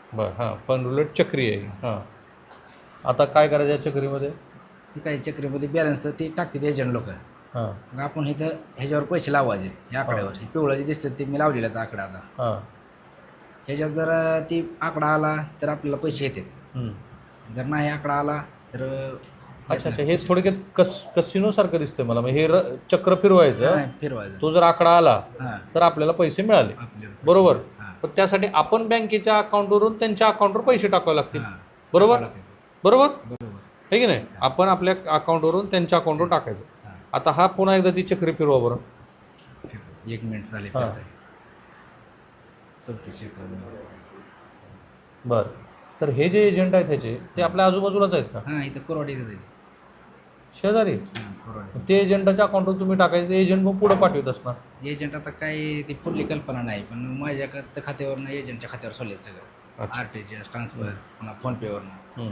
बरं हां, fund roulette चक्री आहे. हां, आता काय करायचं या चक्रीमध्ये? ती काही चक्रीमध्ये बॅलन्स ते टाकतात एजंट लोक. हां मग आपण इथं ह्याच्यावर पैसे लावायचे या हां आकड्यावर. हे पिवळं जे दिसतं ते मी लावलेलं आहे आकडा आता. हां. ह्याच्यात जर ती आकडा आला तर आपल्याला पैसे येतात. जर नाही आकडा आला तर येत अच्छा अच्छा, नाही हे पैसे. थोडक्यात कसिनो सारखं दिसतंय मला. म्हणजे हे चक्र फिरवायचं, हां, फिरवायचं. तो जर आकडा आला हां, तर आपल्याला पैसे मिळाले. आपल्याला पैसे बरोबर. मिळाले. हां, पण त्यासाठी आपण बँकेच्या अकाउंटवरून त्यांच्या अकाउंटवर पैसे टाकावे लागतील. हां, बरोबर टाकावं लागतं. बरोबर बरोबर. आहे की नाही? आपण आपल्या अकाउंटवरून त्यांच्या अकाउंटवर टाकायचं. हां, आता हा पुन्हा एकदा ती चक्री फिरवा बरं. फिरवा. 1 मिनिट चालेल हां फिरताय. 34 सेकंद. बरं. तर हे जे एजंट आहेत ह्याचे, ते आपल्या आजूबाजूलाच आहेत का? हां, इथं कोरवाडी इथं जाईल. शेजारी? हां, कोरवाडी. ते एजंटाच्या अकाउंटवर तुम्ही टाकायचं, ते एजंट मग पुढे पाठवत असणार. एजंट आता काय ती फुल्ली कल्पना नाही, पण माझ्या खात्यावरनं एजंटच्या खात्यावर सोडले सगळं. अच्छा. RTGS ट्रान्सफर, पुन्हा फोनपेवरनं.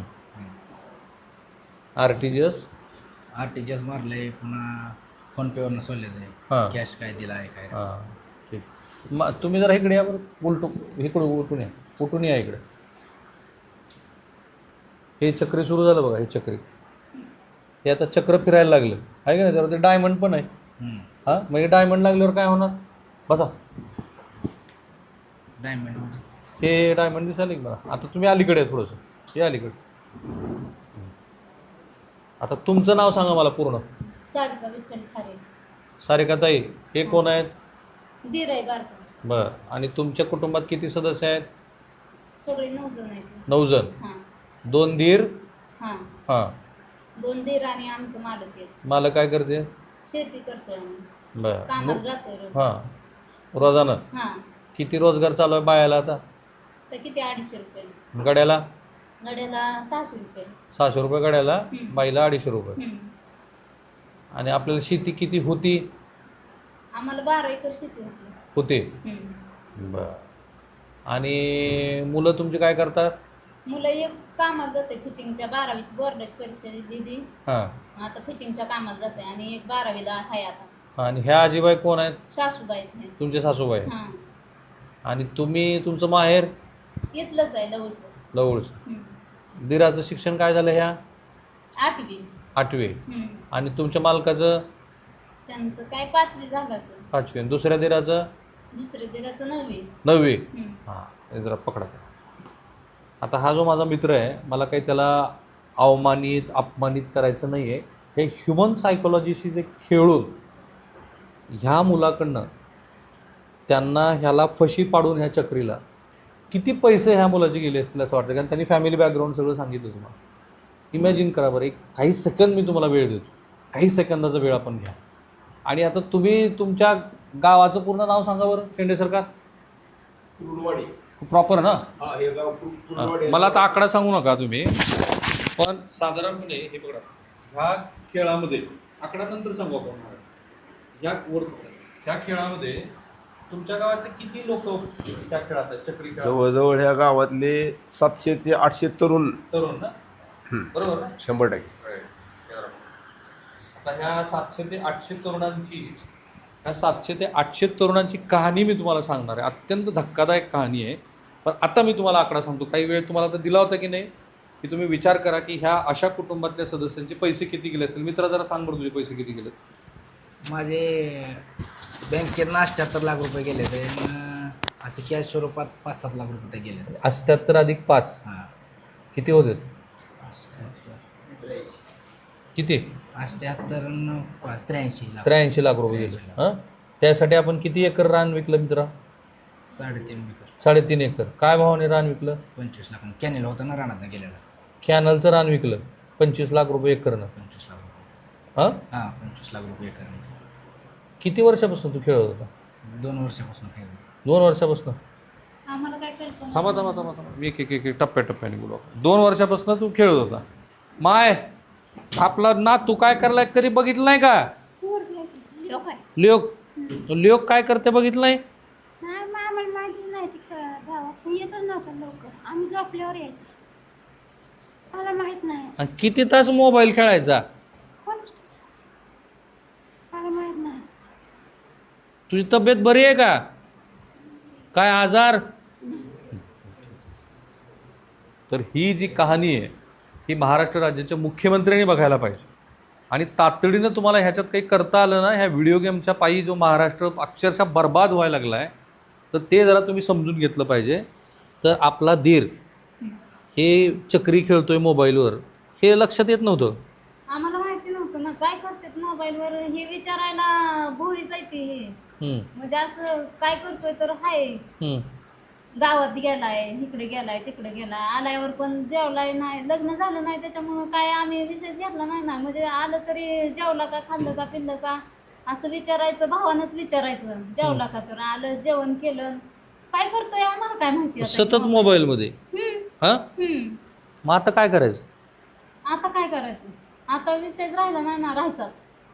RTGS. RTGS मारले, पुन्हा फोनपेवरनं सोडले ते. हां कॅश काय दिला आहे काय. हां, ठीक. मग तुम्ही जरा इकडे या बरं, इकडं उलटून या, उलटून या इकडे. हे चक्री सुरू झालं बघा, हे चक्री. हे आता चक्र फिरायला लागलं आहे का नाही? त्यावर ते डायमंड पण आहे. हां, मग हे डायमंड लागल्यावर काय होणार? बसा. डायमंड हे डायमंड दिसायला की मला. आता तुम्ही अलीकडे आहे थोडंसं, हे अलीकडे. आता तुमचं नाव सांगा मला पूर्ण. सारिका विठ्ठल खारे. सारिकाताई, हे कोण आहेत? दीर आहे बारका. बरं. आणि तुमच्या कुटुंबात किती सदस्य आहेत? सगळे 9 जण आहेत. 9 जण. हां 2 दीर. हां. हां. 2 दीर आणि आमचं मालक आहे. मला काय करते? शेती करतोय आम्ही. बरं. कामाला जातोय रोज. हां, रोजानं. हां. किती रोजगार चालू आहे बायाला आता? तर किती 250 रुपये. गड्याला? गड्याला 600 रुपये. 600 रुपये गड्याला, हं. बाईला 250 रुपये. हं. आणि आपल्याला शेती किती होती? आम्हाला 12 एकर शेती होती. होते. हं. बरं. आणि मुलं तुमची काय करतात? मुलं एक कामाला जाते फिटिंगच्या 12वीची बोर्डाची परीक्षा दिली. हां. आता फिटिंगच्या कामाला जाते आणि एक 12वीला आहे आता. आणि ह्या आजीबाई कोण आहेत? सासूबाई आहेत. तुमचे सासूबाई. हां. आणि तुम्ही, तुमचं माहेर? इथलंच आहे लवचं. जवळचं. हं. दिराचं शिक्षण काय झालं ह्या? 8वी. 8वी. हं. आणि तुमच्या मालकाचं? त्यांचं काय 5वी झालं असेल. 5वी. आणि दुसऱ्या दिराचं? दुसऱ्या दिराचं 9वी. 9वी. हं. हां, हे जरा पकडा. आता हा जो माझा मित्र आहे, मला काही त्याला अवमानित अपमानित करायचं नाही आहे. हे ह्युमन सायकोलॉजीशी जे खेळून ह्या मुलाकडनं त्यांना ह्याला फशी पाडून ह्या चक्रीला किती पैसे ह्या मुलाचे गेले असतील असं वाटतं. कारण त्यांनी फॅमिली बॅकग्राऊंड सगळं सांगितलं तुम्हाला. इमॅजिन करा बरं, एक काही सेकंद मी तुम्हाला वेळ देतो, काही सेकंदाचा वेळ आपण घ्या. आणि आता तुम्ही तुमच्या गावाचं पूर्ण नाव सांगा बरं, शेंडे सरकार. कुरुडवाडी. प्रॉपर ना? हा, हे गाव कुरुडवाडी. मला आता आकडा सांगू नका तुम्ही, पण साधारणपणे हे बघा, ह्या खेळामध्ये आकडा नंतर सांगू आपण. ह्या खेळामध्ये तुमच्या गावातले किती लोक त्या खेळात आहेत, चक्री खेळात? जवळजवळ ह्या गावातले 700 ते 800 तरुण. तरुण ना? बरोबर ना? 100%. आता ह्या 700 ते 800 तरुणांची, ह्या 700 ते 800 तरुणांची कहाणी मी तुम्हाला सांगणार आहे. अत्यंत धक्कादायक कहाणी आहे. पण आता मी तुम्हाला आकडा सांगतो. काही वेळ तुम्हाला आता दिला होता की नाही, की तुम्ही विचार करा की ह्या अशा कुटुंबातल्या सदस्यांचे पैसे किती गेले असेल. मित्रा जरा सांग बरं, तुझे पैसे किती गेले? माझे बँकेतनं 78 लाख रुपये गेले ते. असे कॅश स्वरूपात 5-7 लाख रुपये गेले. 78 अधिक 5 हां, किती होते? 78 किती? 78 न 5 83 लाख. 83 लाख रुपये गेले. 83 लाख. हां, त्यासाठी आपण किती एकर रान विकलं मित्रा? 3.5 एकर. 3.5 एकर. काय भावाने रान विकलं? 25 लाख. कॅनेल होता ना रानात गेलेला. कॅनलचं रान विकलं 25 लाख रुपये एकरनं. 25 लाख रुपये. हां, हां, 25 लाख रुपये एकर. किती वर्षापासून तू खेळत होता? 2 वर्षापासून खेळ. 2 वर्षापासून? आम्हाला काय कल्पना थांबा थांबा थांबा थांबा, एक टप्प्याटप्प्याने बोलू. 2 वर्षापासून तू खेळत होता. माय, आपला ना तू काय करलाय कधी बघितलं नाही का? लोक लोक काय करते बघितलं नाही? नाही, मग आम्हाला माहिती नाही ती गावात येतच नव्हतं लवकर. आम्ही झोपल्यावर यायचो. मला माहित नाही. आणि किती तास मोबाईल खेळायचा? कोणच मला माहित नाही. तुझी तब्येत बरी आहे का? काय आजार? तर ही जी कहाणी आहे ही महाराष्ट्र राज्याच्या मुख्यमंत्र्यांनी बघायला पाहिजे आणि तातडीनं तुम्हाला ह्याच्यात काही करता आलं ना, ह्या व्हिडिओ गेमच्या पायी जो महाराष्ट्र अक्षरशः बर्बाद व्हायला लागला आहे, तर ते जरा तुम्ही समजून घेतलं पाहिजे. तर आपला धीर हे चक्री खेळतोय मोबाईलवर हे लक्षात येत नव्हतं. आम्हाला माहिती नव्हतं ना काय करतात मोबाईलवर हे विचारायला भोळी जायते हे. हम्म, म्हणजे असं काय करतोय तर हाय हम्म. गावात गेलाय इकडे गेलाय तिकडे गेलाय आल्यावर पण जेवलाय नाही लग्न झालं नाही त्याच्यामुळं काय आम्ही विषयच घेतला नाही ना. म्हणजे आलं तरी जेवला का खाल्लं का पिल्लं का असं विचारायचं भावानंच विचारायचं जेवला का तर आलं जेवण केलं काय करतोय आम्हाला काय माहिती आता. सतत मोबाईलमध्ये. हां, मग आता काय करायचं? आता काय करायचं आता विषयच राहिला नाही ना राहायचाच.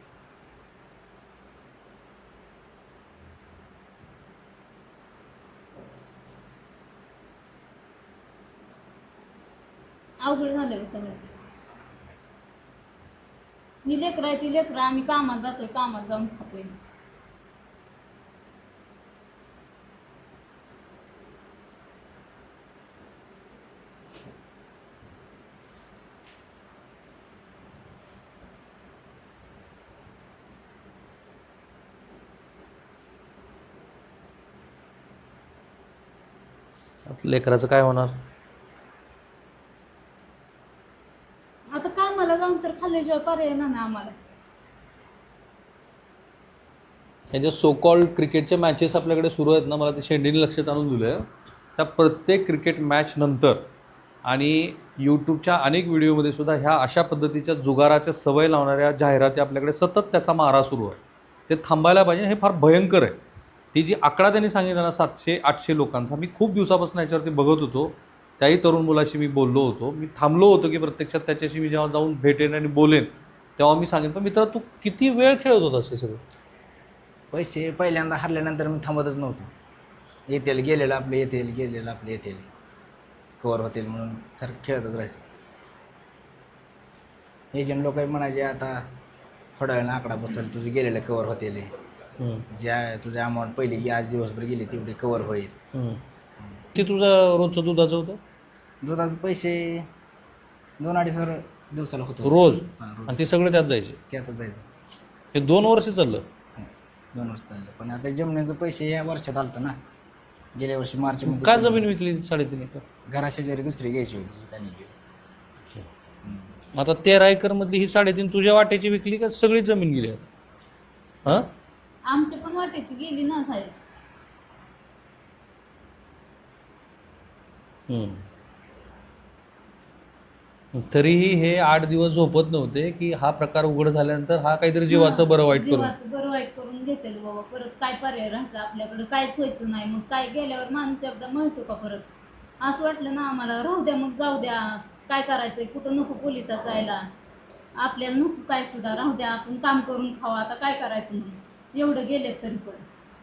अवघड झालं सगळं. ही लेकरं आहे ती लेकरं आम्ही कामाला जातोय कामाला जाऊन खातोय. आता लेकराचं काय होणार? आता कामाला जाऊन तर खाल्ल्याशिवाय पर्याय नाही ना आम्हाला. हे जे सो कॉल्ड क्रिकेटच्या मॅचेस आपल्याकडे सुरू आहेत ना, मला ते शेंडीने लक्षात आणून दिलं आहे. त्या प्रत्येक क्रिकेट मॅच नंतर आणि यूट्यूबच्या अनेक व्हिडिओमध्ये सुद्धा ह्या अशा पद्धतीच्या जुगाराच्या सवय लावणाऱ्या जाहिराती आपल्याकडे सतत त्याचा मारा सुरू आहे. ते थांबायला पाहिजे. हे फार भयंकर आहे. ती जी आकडा त्यांनी सांगितला ना 700-800 लोकांचा, मी खूप दिवसापासून याच्यावरती बघत होतो. त्याही तरुण मुलाशी मी बोललो होतो. मी थांबलो होतो की प्रत्यक्षात त्याच्याशी मी जेव्हा जाऊन भेटेन आणि बोलेन तेव्हा मी सांगेन. पण मित्रा, तू किती वेळ खेळत होतास हे सगळं? पैसे पहिल्यांदा हरल्यानंतर मी थांबतच नव्हतो. येतील गेलेलं आपले येतील गेलेलं आपले येतील कवर होतील म्हणून सर खेळतच राहायचं. एजंट लोक म्हणायचे आता थोड्या वेळानं आकडा बसेल तुझे गेलेलं कवर होतील ज्या तुझ्या अमाऊंट पहिली की आज दिवसभर गेली तेवढी कवर होईल. ते तुझं रोजचं दुधाचं होतं? दुधाचे पैसे 2-2.5 दिवसाला होतं रोज? हां रोज आणि ते सगळं त्यात जायचे? त्यातच जायचं. हे 2 वर्ष चाललं? 2 वर्ष चाललं. पण आता जमिनीचं पैसे या वर्षात आलतं ना. गेल्या वर्षी मार्च का जमीन विकली 3.5 एकर? घराशेजारी दुसरी घ्यायची होती त्यांनी. आता 13 एकरमधली ही 3.5 तुझ्या वाट्याची विकली का सगळी जमीन गेली? हां, आमच्या पण वाटेची गेली ना साहेब. तरीही हे 8 दिवस झोपत नव्हते की हा प्रकार उघड झाल्यानंतर हा काहीतरी जीवाचं बरं वाईट करून. जीवाचं बरं वाईट करून घेतेल बाबा. परत काय पर्याय राहायचं आपल्याकडे काहीच व्हायचं नाही. मग काय गेल्यावर माणूस एकदा म्हणतो का परत? असं वाटलं ना आम्हाला राहू द्या मग जाऊ द्या काय करायचंय कुठं नको पोलिसात जायला आपल्याला नको काय सुद्धा राहू द्या आपण काम करून खावा आता काय करायचं म्हणून एवढं गेलेत तरी पण.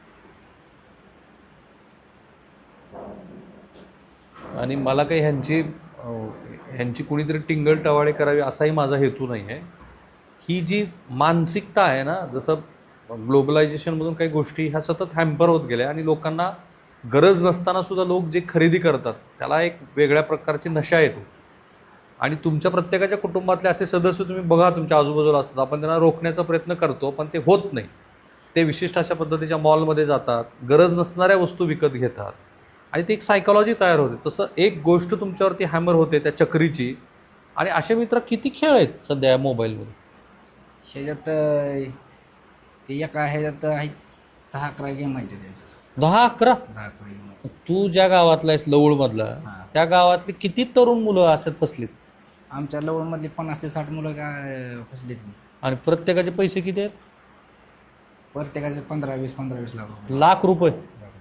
आणि मला काही ह्यांची कुणीतरी टिंगल टवाळे करावी असाही माझा हेतू नाही आहे. ही जी मानसिकता आहे ना, जसं ग्लोबलायझेशनमधून काही गोष्टी ह्या सतत हॅम्पर होत गेल्या आणि लोकांना गरज नसताना सुद्धा लोक जे खरेदी करतात त्याला एक वेगळ्या प्रकारची नशा येतो. आणि तुमच्या प्रत्येकाच्या कुटुंबातले असे सदस्य तुम्ही बघा तुमच्या आजूबाजूला असतात. आपण त्यांना रोखण्याचा प्रयत्न करतो पण ते होत नाही. ते विशिष्ट अशा पद्धतीच्या मॉलमध्ये जातात, गरज नसणाऱ्या वस्तू विकत घेतात आणि ती एक सायकॉलॉजी तयार होते. तसं एक गोष्ट तुमच्यावरती हॅमर होते त्या चक्रीची. आणि असे मित्र किती खेळ आहेत सध्या या मोबाईलमध्ये. ह्याच्यात ते एका ह्याच्यात आहे 10-11 गेम आहेत त्याच्यात. 10-11? 10-11 गेम. तू ज्या गावातला आहेस लवळमधला, हां. त्या गावातली किती तरुण मुलं अशात फसलीत? आमच्या लवणमधली 50 ते 60 मुलं काय फसलीत नाही. आणि प्रत्येकाचे पैसे किती आहेत? प्रत्येकाचे 15-20 लाख रुपये. लाख रुपये.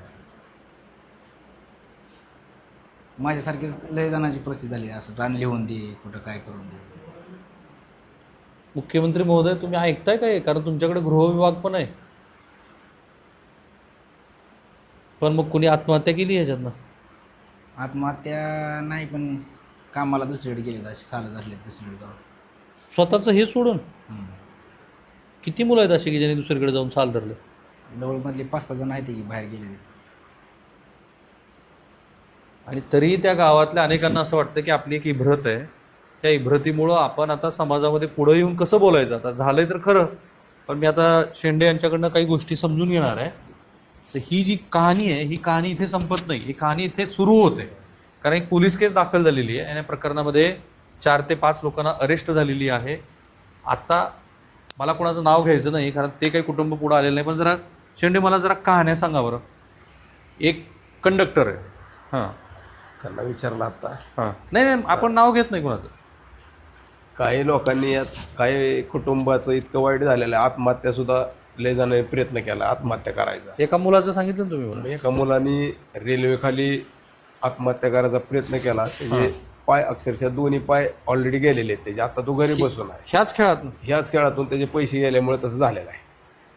माझ्यासारखीच लय जणांची परिस्थिती झाली असं रान लिहून दे कुठं काय करून दे. मुख्यमंत्री महोदय तुम्ही ऐकताय काय? कारण तुमच्याकडे गृहविभाग पण आहे. पण मग कुणी आत्महत्या केली ह्याच्यातनं? आत्महत्या नाही पण कामाला दुसरीकडे गेलेत असे सालं धरलेत दुसरीकडे जाऊन. स्वतःचं हे सोडून किती मुलं आहेत अशी की ज्यांनी दुसरीकडे जाऊन साल धरले? लवळमधले 5-6 जण आहेत की बाहेर गेले. आणि तरीही त्या गावातल्या अनेकांना असं वाटतं की आपली एक इब्रत आहे, त्या इब्रतीमुळं आपण आता समाजामध्ये पुढं येऊन कसं बोलायचं. आता झालंय तर खरं, पण मी आता शेंडे यांच्याकडनं काही गोष्टी समजून घेणार आहे. तर ही जी कहाणी आहे, ही कहाणी इथे संपत नाही, ही कहाणी इथे सुरू होते. कारण एक पोलीस केस दाखल झालेली आहे आणि या प्रकरणामध्ये 4 ते 5 लोकांना अरेस्ट झालेली आहे. आता मला कोणाचं नाव घ्यायचं नाही, कारण ते काही कुटुंब पुढं आलेलं नाही. पण जरा शेंडे मला जरा कहाण्या सांगा बरं. एक कंडक्टर आहे, हां त्यांना विचारलं आता. हां, नाही आपण नाव घेत नाही कोणाचं. काही लोकांनी यात काही कुटुंबाचं इतकं वाईट झालेलं आहे, आत्महत्या सुद्धा लय जणांनी प्रयत्न केला आत्महत्या करायचा. एका मुलाचं सांगितलं ना तुम्ही मला. एका मुलांनी रेल्वेखाली आत्महत्या करायचा प्रयत्न केला. त्याचे पाय अक्षरशः दोन्ही पाय ऑलरेडी गेलेले आहेत त्याचे. आता तो घरी बसून आहे. ह्याच खेळातून त्याचे पैसे गेल्यामुळे तसं झालेलं आहे.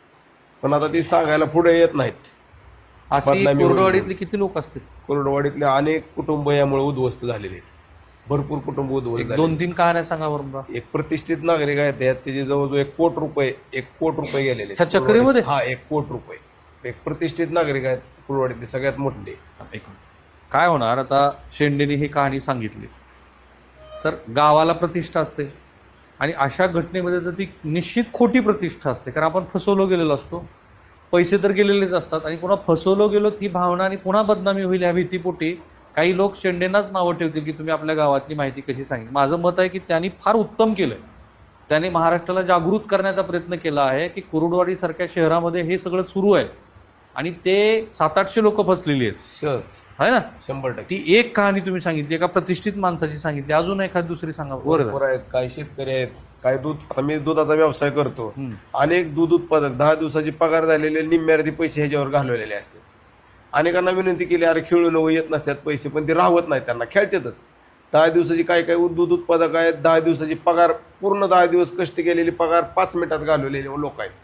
पण आता ती सांगायला पुढे येत नाहीत. अशी कोरडवाडीतले किती लोक असतील? कोरडवाडीतले अनेक कुटुंब यामुळे उद्ध्वस्त झालेले आहेत. भरपूर कुटुंब उद्ध्वस्त झाले. 2-3 कहाण्या सांगा बरं. एक प्रतिष्ठित नागरिक आहेत त्याचे जवळजवळ 1 कोटी रुपये गेलेले. ह्या चक्रीमध्ये? हा, 1 कोटी रुपये. एक प्रतिष्ठित नागरिक आहेत कुरवाडीतले, सगळ्यात मोठे. काय होणार आता, शेंडेने ही कहाणी सांगितली तर गावाला प्रतिष्ठा असते आणि अशा घटनेमध्ये तर ती निश्चित खोटी प्रतिष्ठा असते. कारण आपण फसवलो गेलेलो असतो, पैसे तर गेलेलेच असतात आणि पुन्हा फसवलो गेलो ही भावना आणि पुन्हा बदनामी होईल ह्या भीतीपोटी काही लोक शेंडेंनाच नावं ठेवतील की तुम्ही आपल्या गावातली माहिती कशी सांगितली. माझं मत आहे की त्यांनी फार उत्तम केलं आहे. त्याने महाराष्ट्राला जागृत करण्याचा प्रयत्न केला आहे की कुरुडवाडीसारख्या शहरामध्ये हे सगळं सुरू आहे आणि ते 700-800 लोक फसलेली आहेत. सहज आहे ना, 100%. ती एक कहाणी तुम्ही सांगितली, एका प्रतिष्ठित माणसाची सांगितली. अजून एखादी दुसरी सांगा. बरोबर आहेत. काही शेतकरी आहेत, काही दूध, आता मी दुधाचा व्यवसाय करतो. अनेक दूध उत्पादक 10 दिवसाची पगार झालेले निम्म्यार्धी पैसे ह्याच्यावर घालवलेले असतात. अनेकांना विनंती केली, अरे खेळून येत नसतात पैसे, पण ते राहत नाहीत, त्यांना खेळतातच. 10 दिवसाची काही दूध उत्पादक आहेत, 10 दिवसाची पगार, पूर्ण 10 दिवस कष्ट केलेली पगार 5 मिनिटात घालवलेले लोक आहेत.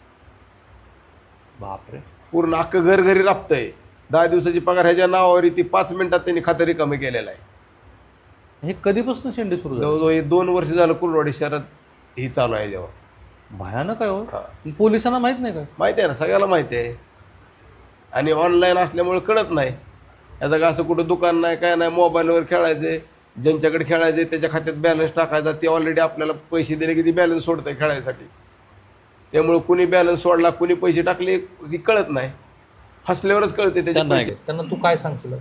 बापरे, पूर्ण अख्खं घर घरी राबतंय. 10 दिवसाची पगार ह्याच्या नावावर ती 5 मिनिटात त्यांनी खातं रिकामी केलेलं आहे. हे कधीपासून शेंडे सुरू झाले? जवळजवळ 2 वर्ष झालं कुरवाडी शहरात ही चालू आहे याच्यावर. भयानक आहे हो. पोलिसांना माहित नाही काय? माहिती आहे ना, सगळ्याला माहिती आहे. आणि ऑनलाईन असल्यामुळे कळत नाही. याचं का असं कुठं दुकान नाही, काय नाही, मोबाईलवर खेळायचे. ज्यांच्याकडे खेळायचे त्याच्या खात्यात बॅलन्स टाकायचा, ते ऑलरेडी आपल्याला पैसे दिले की ती बॅलन्स सोडतं खेळायसाठी. त्यामुळे कुणी बॅलन्स सोडला, कुणी पैसे टाकले ती कळत नाही. हसल्यावरच कळते त्याच्या पैसे. त्यांना तू काय सांगशील?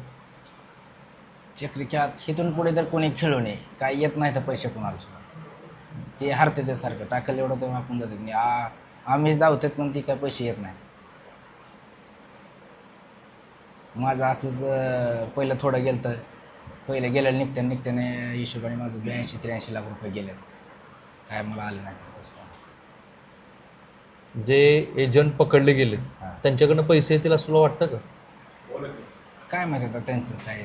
चक्री खेळात इथून पुढे तर कोणी खेळू नये, काय येत नाही तर पैसे कोणाला सुद्धा. ते हरते ते सारखं टाकलं एवढं तर आपण जातात नाही. आम्हीच धावतात पण ती काय पैसे येत नाही. माझं असंच पहिलं थोडं गेलं तर पहिलं गेलं निघत्याने हिशोबाने माझं 82-83 लाख रुपये गेले. काय मला आलं नाही. जे एजंट पकडले गेले त्यांच्याकडनं पैसे येतील असं तुला वाटतं का? काय माहिती आता त्यांचं काय.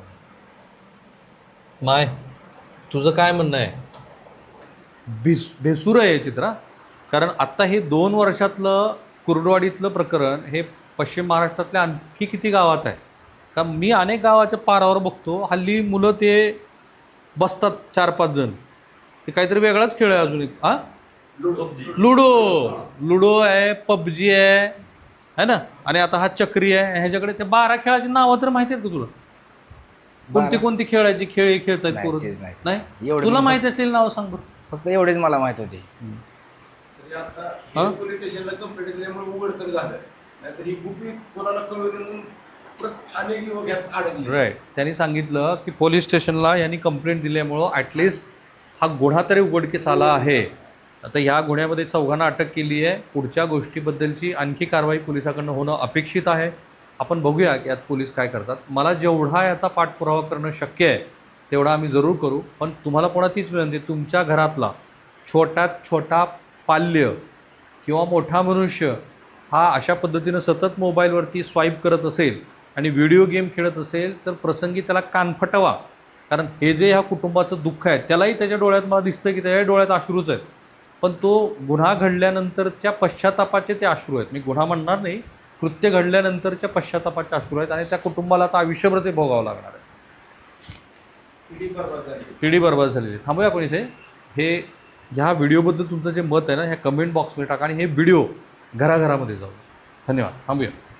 माय, तुझं काय म्हणणं आहे? भेसूर आहे हे चित्र. कारण आत्ता हे 2 वर्षातलं कुर्डवाडीतलं प्रकरण हे पश्चिम महाराष्ट्रातल्या आणखी किती गावात आहे का? मी अनेक गावाच्या पारावर बघतो हल्ली मुलं ते बसतात 4-5 जण, ते काहीतरी वेगळाच खेळ आहे. अजून एक लुडो आहे, पबजी आहे ना, आणि आता हा चक्री आहे. ह्याच्याकडे ते 12 खेळाची नावं तर माहिती आहेत का तुला? कोणती खेळायची खेळ हे खेळतात नाही? तुला माहिती असलेली नावं सांग बरं. फक्त एवढेच मला माहित होते. पोलीस स्टेशनला कंप्लेंट दिल्यामुळे उघड तर झालं, नाहीतर ही गुपित कोणाला कळवून अनेक युवक यात अडकले. राईट. त्यांनी सांगितलं की पोलीस स्टेशनला यांनी कंप्लेंट दिल्यामुळं ॲटलिस्ट हा गुन्हा तरी उघडकीस आला आहे. आता ह्या गुन्ह्यामध्ये 4घांना अटक केली आहे. पुढच्या गोष्टीबद्दलची आणखी कारवाई पोलिसाकडनं होणं अपेक्षित आहे. आपण बघूया की यात पोलीस काय करतात. मला जेवढा याचा पाठपुरावा करणं शक्य आहे तेवढा आम्ही जरूर करू. पण तुम्हाला पुन्हा तीच विनंती, तुमच्या घरातला छोट्यात छोटा पाल्य किंवा मोठा मनुष्य हा अशा पद्धतीनं सतत मोबाईलवरती स्वाईप करत असेल आणि व्हिडिओ गेम खेळत असेल तर प्रसंगी त्याला कान फटवा. कारण हे जे ह्या कुटुंबाचं दुःख आहे त्यालाही त्याच्या डोळ्यात मला दिसतं की त्याच्या डोळ्यात अश्रूच आहेत. पण तो गुन्हा घडल्यानंतरच्या पश्चातापाचे ते अश्रू आहेत. मी गुन्हा म्हणणार नाही, कृत्य घडल्यानंतरच्या पश्चातापाचे अश्रू आहेत आणि त्या कुटुंबाला आता आयुष्यभर ते भोगावं लागणार आहे. पिढी बर्बाद झालेली. थांबूया आपण इथे. हे ह्या व्हिडिओबद्दल तुमचं जे मत आहे ना ह्या कमेंट बॉक्समध्ये टाका आणि हे व्हिडिओ घराघरामध्ये जाऊ. धन्यवाद. थांबूया.